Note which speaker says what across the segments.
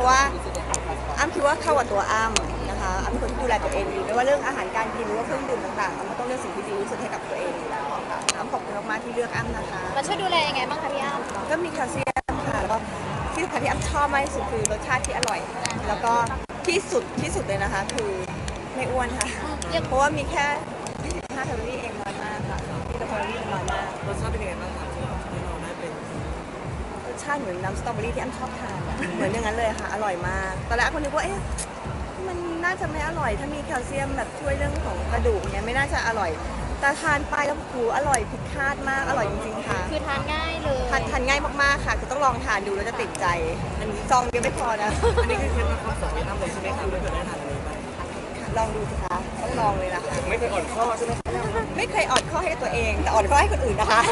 Speaker 1: ะว่าอ้ำคิดว่าเข้ากับตัวอ้ำนะคะอ้ำเป็นคนที่ดูแลตัวเองดีไม่ว่าเรื่องอาหารการกินหรือว่าเครื่องดื่มต่างๆอ้ำก็ต้องเลือกสิ่งที่ดีที่สุดให้กับตัวเองอยู่แล้วค่ะอ้ำขอบคุณมากๆที่เลือกอ้ำนะคะ
Speaker 2: มันช่วยดูแลยังไงบ้างคะพี่อ้ำ
Speaker 1: ก็มีแคลเซียมค่ะแล้วก็ที่สำคัญที่อ้ำชอบมากที่สุดคือรสชาติที่อร่อยแล้วก็ที่สุดเลยนะคะคือไม่อ้วนค่ะเพราะว่ามีแค่25 แคลอรี่เองน้อยมากค่ะที่แคลอรี่น้อยมาก
Speaker 3: รสชาติเป็นยังไงบ้างครับที่เราได้เป็น
Speaker 1: รสชาติเหมือนน้ำสตรอเบอรี่ที่อ้ำชอบทานเหมือนอย่างนั้นเลยค่ะอร่อยมากตอนแรกคนนึกว่าเอ๊ะมันน่าจะไม่อร่อยถ้ามีแคลเซียมแบบช่วยเรื่องของกระดูกเนี่ยไม่น่าจะอร่อยแต่ทานไปแล้วหูอร่อยผิดคาดมากอร่อยจริงๆค่ะ
Speaker 2: คือทานง่ายเลย
Speaker 1: ทานง่ายมากๆค่ะคือต้องลองทานดูแล้วจะติดใจซองเดียวไม่พอนะ
Speaker 3: อันนี้คือเคล็ดลับความสวยงามเลยใช่ไหมครับไม่เคยได้ทานเลย
Speaker 1: ลองดูสิคะต้องลองเลยนะคะ
Speaker 3: ไม่เคยอ่อนข้อใช่ไหม
Speaker 1: ไม่เคยอ่อนข้อให้ตัวเองแต่อ่อนข้อให้คนอื่นนะคะ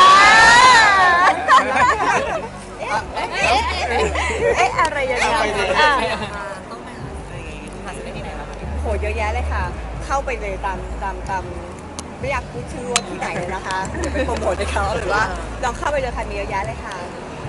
Speaker 1: อะไรอย่างเงี้ย
Speaker 3: ต้องไปหาอะไรหาซื้อได้ที่ไหนบ้าง
Speaker 1: โหเยอะแยะเลยค่ะเข้าไปเลยตามไม่อยากพูดชื่อว่าที่ไหนเลยนะคะเดี๋ยวไปโปรโมทให้เขาหรือว่าลองเข้าไปเลยค่ะมีเยอะแยะเลยค่ะ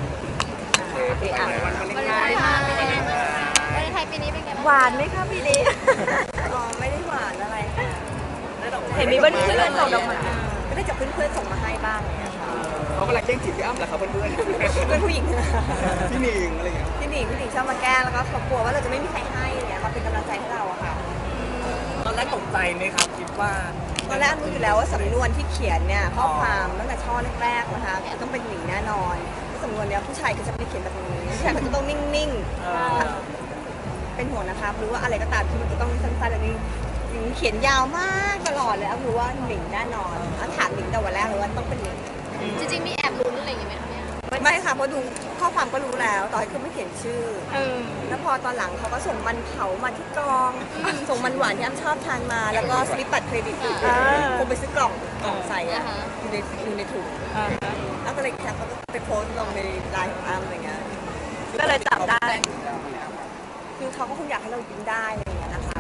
Speaker 2: วันวาเลนไทน์เป็นยังไงบ้างวันวาเลนไทน์ปีนี้เป็นไงบ้าง
Speaker 1: หวานไหมคะปีนี้อ๋อไม่ได้หวานอะไรค่ะเห็นมีเพื่อนส่งดอกไม้ก็ได้จากเพื่อนส่งมาให้บ้างเลยค่ะ
Speaker 3: เขากำลังแกล้งจีบพี่อ้ำเหรอครับเพื่อน
Speaker 1: ผู้หญิง
Speaker 3: พี่หนิงอะไรอย่างเงี้ย
Speaker 1: พี่หนิงชอบมาแกล้งแล้วก็เขากลัวว่าเราจะไม่มีใครให้เนี่ยมาเป็นกำลังใจให้เราอะค่ะ
Speaker 3: ตอนแรกตกใจไหมครับคิดว่า
Speaker 1: ตอนแรกรู้อยู่แล้วว่าสำนวนที่เขียนเนี่ยข้อความตั้งแต่ช่อแรกๆนะคะต้องเป็นหนิงแน่นอนสำนวนเนี้ยผู้ชายก็จะไม่เขียนแบบนี้ผู้ชายก็จะต้องนิ่งๆเป็นห่วงนะคะรู้ว่าอะไรก็ตามที่มันจะต้องสั้นๆแบบนี้หนิงเขียนยาวมากตลอดเลยรู้ว่าหนิงแน่นอนถามหนิงแต่วันแรกเลยว่าต้องเป็นหนิง
Speaker 2: จริงๆมีแอบลุ้นอะไรอย่างเงี้ยไหมคะเนี่ย
Speaker 1: ไม่ค่ะเพราะดูข้อความก็รู้แล้วต่อให้คือไม่เขียนชื่อแล้วพอตอนหลังเขาก็ส่งมันเผามาที่กองส่งมันหวานที่อ้ำชอบทานมาแล้วก็สลิปบัตรเครดิตคงไปซื้อกล่องใส่อะอยู่ในถุงแล้วก็เลยแคปแล้วก็ไปโพสต์ลงในไลน์ของอ้ำอะไรเงี้ยก็เลยจับได้คือเขาก็คงอยากให้เรายิ้มได้อะไรอย่างเงี้ยนะคะ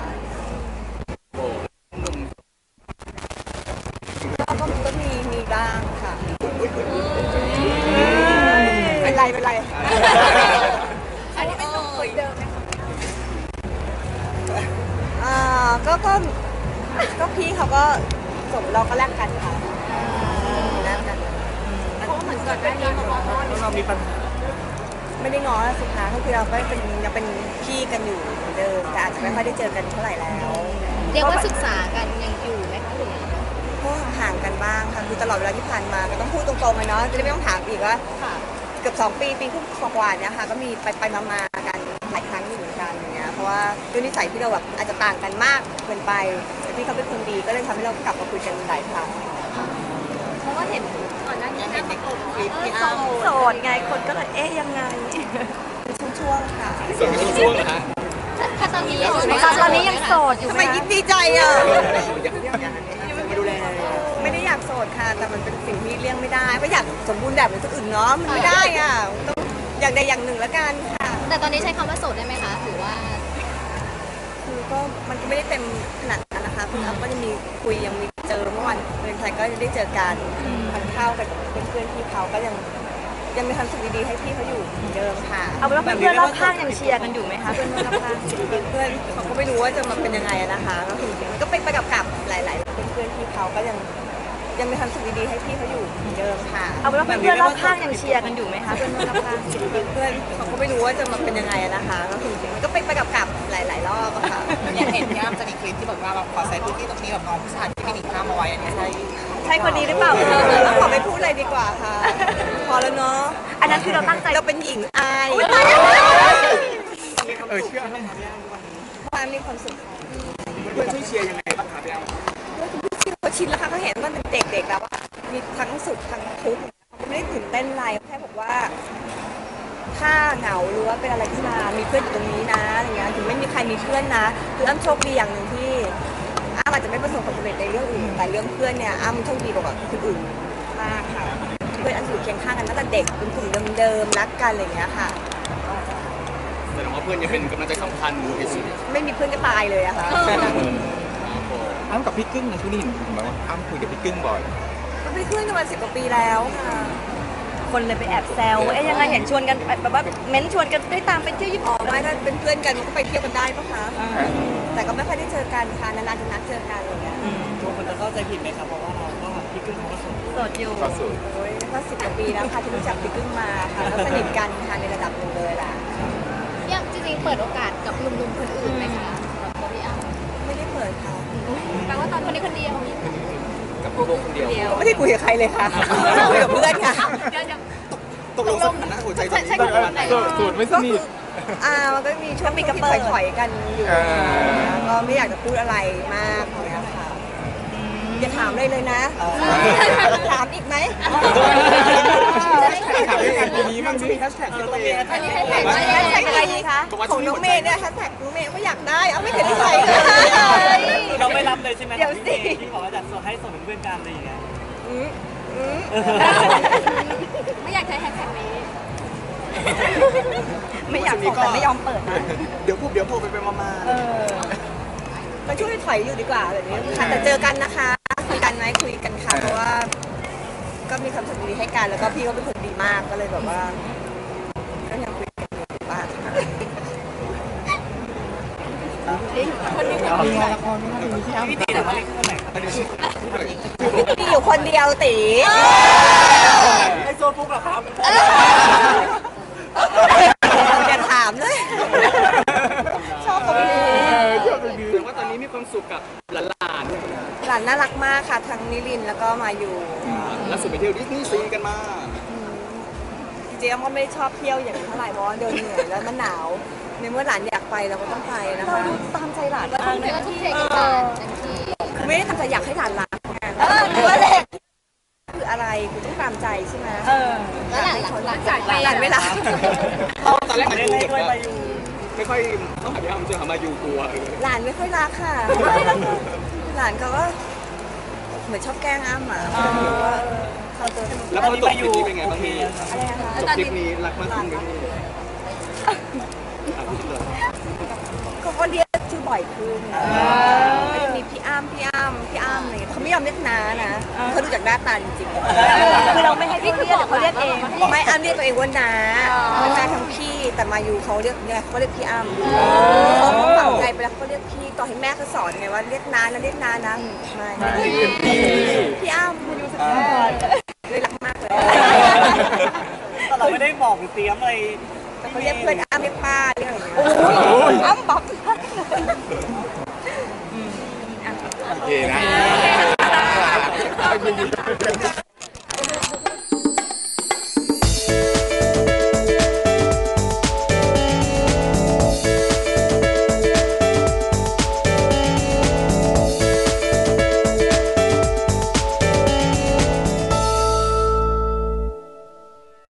Speaker 1: ก็มีบ้างค่ะเป็นไร
Speaker 2: อันนี้เป็นหนุ่มคนเดิมไหมคะ
Speaker 1: ก็พี่เขาก็ส่งเราก็แลกกันค่ะแลกกัน
Speaker 2: เพราะเหมือนก่อนหน้านี้มาบอกว่า
Speaker 3: เรามีปัญหา
Speaker 1: ไม่ได้ง้อสิคะก็คือเราก็ยังเป็นพี่กันอยู่เหมือนเดิมแต่อาจจะไม่ค่อยได้เจอกันเท่าไหร่แล้ว
Speaker 2: เรียกว่าศึกษากันยังอยู่ไหมคะหรือ
Speaker 1: ก็ห่างกันบ้างค่ะคือตลอดเวลาที่ผ่านมาก็ต้องพูดตรงๆเลยเนาะจะได้ไม่ต้องถามอีกว่าเกือบ2 ปีครึ่งกว่าเนี่ยค่ะก็มีไปมากันหลายครั้งอยู่เหมือนกันอย่างเงี้ยเพราะว่าด้วยนิสัยที่เราแบบอาจจะต่างกันมากเกินไปแต่พี่เขาเป็นคนดีก็เลยทำให้เรากลับมาคุยกันหลายครั้ง
Speaker 2: เพราะว่าเห็นก่อนหน้านี้นะประกบ
Speaker 1: โสดไงคนก็เลยเอ๊ะยังไงช่วงค่ะ
Speaker 3: ช่วงนะฮะ
Speaker 2: ถ้าตอนนี้
Speaker 1: ยังโสดอยู่ทำไมยิ้มดีใจอ่ะ
Speaker 3: มาดูแล
Speaker 1: ไม่ได้อยากโสดค่ะแต่มันเป็นสิ่งที่เลี่ยงไม่ได้ก็อยากสมบูรณ์แบบเหมือนคนอื่นเนาะมันไม่ได้อ่ะต้องอย่างใดอย่างหนึ่งแล้วกันค่ะ
Speaker 2: แต่ตอนนี้ใช้คำว่าโสดได้ไหมคะหรือว่า
Speaker 1: คือก็มันก็ไม่ได้เต็มขนาดนั้นนะคะคุณอ้ำก็จะมีคุยยังมีเจอเมื่อวันเป็นใครก็ได้เจอกันทานข้าวกับเพื่อนพี่เขาก็ยังมีความสุขดีๆให้พี่เขาอยู่เหมือนเดิมค่ะ
Speaker 2: เอาเป็นว่าเพื่อนรอบข้างยังเชียร์กันอยู่ไหมคะ
Speaker 1: เพื่อนรอบข้างเพื่อนเขาก็ไม่รู้ว่าจะมาเป็นยังไงนะคะก็คือมันก็ไปกับหลายๆเพื่อนพี่เขาก็ยังมีความสุขดีๆให้พี่เขาอยู่เหมือนเดิมค่ะ
Speaker 2: เอาเป็นว่าเพื่อนรอบข้างยังเชียร์กันอยู่ไหมคะ
Speaker 1: เพื่อนรอบข้างเพื่อนเขาก็ไม่รู้ว่าจะมาเป็นยังไงนะคะก็คือมันก็ไปกับหลายๆรอบอะค่ะ
Speaker 3: อยากเห็นพี่อ้ำจะมีคลิปที่แบบว่าเราขอใช้พื้นที่ตรงนี้แบบน้องผู้ชายที่ไม่หนีข้ามเอาไว้อันนี้
Speaker 1: ใช่คนนี้หรือเปล่าขอไม่พูดอะไรดีกว่าค่ะพอแล้วเนาะ
Speaker 2: อันนั้นคือเราตั้งใจ
Speaker 1: เราเป็นหญิงอาย
Speaker 3: เชื่อไหม
Speaker 1: ความมีความสุข
Speaker 3: เพื่อนช่วยเชียร์ยังไงบ้างคะพี่อ้ำ
Speaker 1: เขาชินแล้วค่ะเขาเห็นว่าเป็นเด็กๆแล้วว่ามีทั้งสุขทั้งทุกข์เขาไม่ได้ตื่นเต้นอะไรแค่บอกว่าถ้าเหงาหรือว่าเป็นอะไรขึ้นมามีเพื่อนอยู่ตรงนี้นะอะไรเงี้ยถึงไม่มีใครมีเพื่อนนะคืออ้ำโชคดีอย่างหนึ่งที่อ้ำอาจจะไม่ประสบความสำเร็จในเรื่องอื่นแต่เรื่องเพื่อนเนี่ยอ้ำโชคดีกว่าคนอื่นมากค่ะเพื่อนอ้ำอยู่เคียงข้างกันตั้งแต่เด็กเป็นกลุ่มเดิมๆรักกันอะไรเงี้ยค่ะ
Speaker 3: แสดงว่าเพื่อนยังเป็นกำลังใจสำคัญที่สุด
Speaker 1: ไม่มีเพื่อนก็ตายเลยอะค่ะ
Speaker 3: อ้ำกับพี่กึ้งนะช่วงนี้เห็นไหมว่าอ้ำคุยกับพี่กึ้งบ่อย
Speaker 1: ก็เป็นเพื่อนกันมา10 กว่าปีแล้วค่ะคคนเลยไปแอบแซวเอ๊ยยังไงเห็นชวนกันแบบว่าเม้นชวนกันได้ตามไปเที่ยวญี่ปุ่นไม่ถ้าเป็นเพื่อนกันมันก็ไปเที่ยวกันได้ปะคะแต่ก็ไม่ค่อยได้เจอกันค่ะนานๆจะนัดเจอกันอะไรเงี้ย
Speaker 4: ทุกคนจะเข้าใจผิดไหมครับเพราะว่าเราก็พี่กึ้งเขาก็สน
Speaker 1: โสดอยู่
Speaker 5: ก็สุด
Speaker 1: โอ้ยก็10 กว่าปีแล้วค่ะที่รู้จักพี่กึ้งมาค่ะแล้วสนิทกันค่ะในระดับหนึ่งเลยล่ะ
Speaker 2: ยังจริงๆเปิดโอกาสกับหนุ่มๆคนอื่นไหมคะสำหรับตัวพี่อ้ำ
Speaker 1: ไม่ได้เปิดค่ะ
Speaker 2: แปลว่าตอนคนนี้คนเดียว
Speaker 5: กับพวกคนเดียว
Speaker 1: ไม่ได้คุยกับใครเลยค่ะคุยกับเพื่อนค่ะ
Speaker 2: เดี๋ยว
Speaker 3: ตกลงสถานะหัวใจตอนนี้
Speaker 2: ใช่
Speaker 3: เป็นประมาณไหน
Speaker 5: สูตรไม่สนิท
Speaker 1: มันก็มีช่วงที่ถอยๆกันอยู่ก็ไม่อยากจะพูดอะไรมากเลยค่ะอย่าถามเลยนะถามอีกไหม
Speaker 3: ถามยังไงปีนี้มันมีแฮชแท็กที่ตัวเอง
Speaker 2: อันนี้ให้แท็ก
Speaker 1: แฮ
Speaker 2: ว่า
Speaker 1: ช
Speaker 2: ยัง
Speaker 1: แท็ก
Speaker 2: ไง
Speaker 1: อะไรดีคะของน้องเมย์เนี่ยแฮชแท็กน้องเมย์ก็อยากได้เอาไม่เคยได้ใช้เลย
Speaker 4: เราไม่รับเลยใช่ไหม
Speaker 1: เดี๋ยวสิ
Speaker 4: ที่บอกว่าจะให้ส่งเป็นเพื่อนกันอะไรอย่างเงี้ย
Speaker 2: ไม่อยากใช้แฮชแท็กนี้
Speaker 1: ไม่อยากบอกแต่ไม่ยอมเปิดนะ
Speaker 3: เดี๋ยวพูดไปมา
Speaker 1: มันช่วยถอยอยู่ดีกว่าแบบนี้ค่ะแต่เจอกันนะคะคุยกันไหมคุยกันค่ะเพราะว่า ก็มีความสุขดีให้กันแล้วก็พี่เขาเป็นคนดีมากก็เลยแบบว่าก็ยังคุยกันอยู่บ้างค่ะ
Speaker 4: พี่ตีแต่ว่าเล็กเท่าไหร่ครับ
Speaker 1: มีอยู่คนเดียวตี
Speaker 4: ไอโซนปุ๊กเหรอครับ
Speaker 1: อย่าถามเลย ชอบตรงนี้
Speaker 5: แต่ว่าตอนนี้มีความสุขกับหลาน
Speaker 1: หลานน่ารักมากค่ะทั้งนิรินทร์แล้วก็มาอยู่
Speaker 5: ๆล่าสุดไปเที่ยวดิสนีย์ซีกันมา
Speaker 1: จริงๆก็ไม่ได้ชอบเที่ยวอย่างนี้เท่าไหร่เพราะว่าเดินเหนื่อยแล้วมันหนาวในเมื่อหลานอยากไปเราก็ต้องไปนะคะตามใจหลานมากเลย
Speaker 2: ก็ทุ่มเทกับการเต็มที่
Speaker 1: คือไม่ได้ทำใจอยากให้หลานรักไงคือว่าเล็กคืออะไรคือต้องตามใจใช่ไหม
Speaker 2: แล้วหลังจากไป
Speaker 1: หลานไม่รัก
Speaker 5: ตอนแรกมัน
Speaker 4: เล่น
Speaker 5: ดู
Speaker 4: ให้
Speaker 5: แบบ
Speaker 4: ด้วย
Speaker 5: ว่า
Speaker 4: ไปอยู่
Speaker 5: ไม่ค่อยต้องหาพี่อ้ำเจอหามาอยู่กลัว
Speaker 1: หลานไม่ค่อยรักค่ะหลานเขาก็เหมือนชอบแกล้งอ้ำอ่ะไม่รู้ว่าเขาตัว
Speaker 5: แล้วพอจบคลิปนี้เป็นไงบ้างพี่
Speaker 1: อะไรนะคะ
Speaker 5: จบคลิปนี้รักมากขึ้นไหมพี่พูดเลย
Speaker 1: เขาก็เรียกชื่อบ่อยขึ้นไม่ได้มีพี่อ้ำอะไรเขาไม่ยอมเรียกน้านะเขาดูจากหน้าตาจริงๆคือเราไม่ให้พี่เรียกเขาเรียกเองไม่อ้ำเรียกตัวเองว่าน้าเป็นแฟนทั้งพี่แต่มาอยู่เขาเรียกเนี่ยเขาเรียกพี่อ้ำเขาฝังใจไปแล้วเขาเรียกพี่ต่อให้แม่เขาสอนไงว่าเรียกน้านะเรียกน้านะไม่พี่อ้ำมาอยู่สักพักเลยรักมากเลย
Speaker 4: แต่เราไม่ได้บอกหรือเตรียมอะไร
Speaker 1: แต่เขาเรียกเพื่อนอ้ำเรียกป้าเรียกอะไรอย่างเงี้ยอ้ำบอก
Speaker 5: โอเคนะ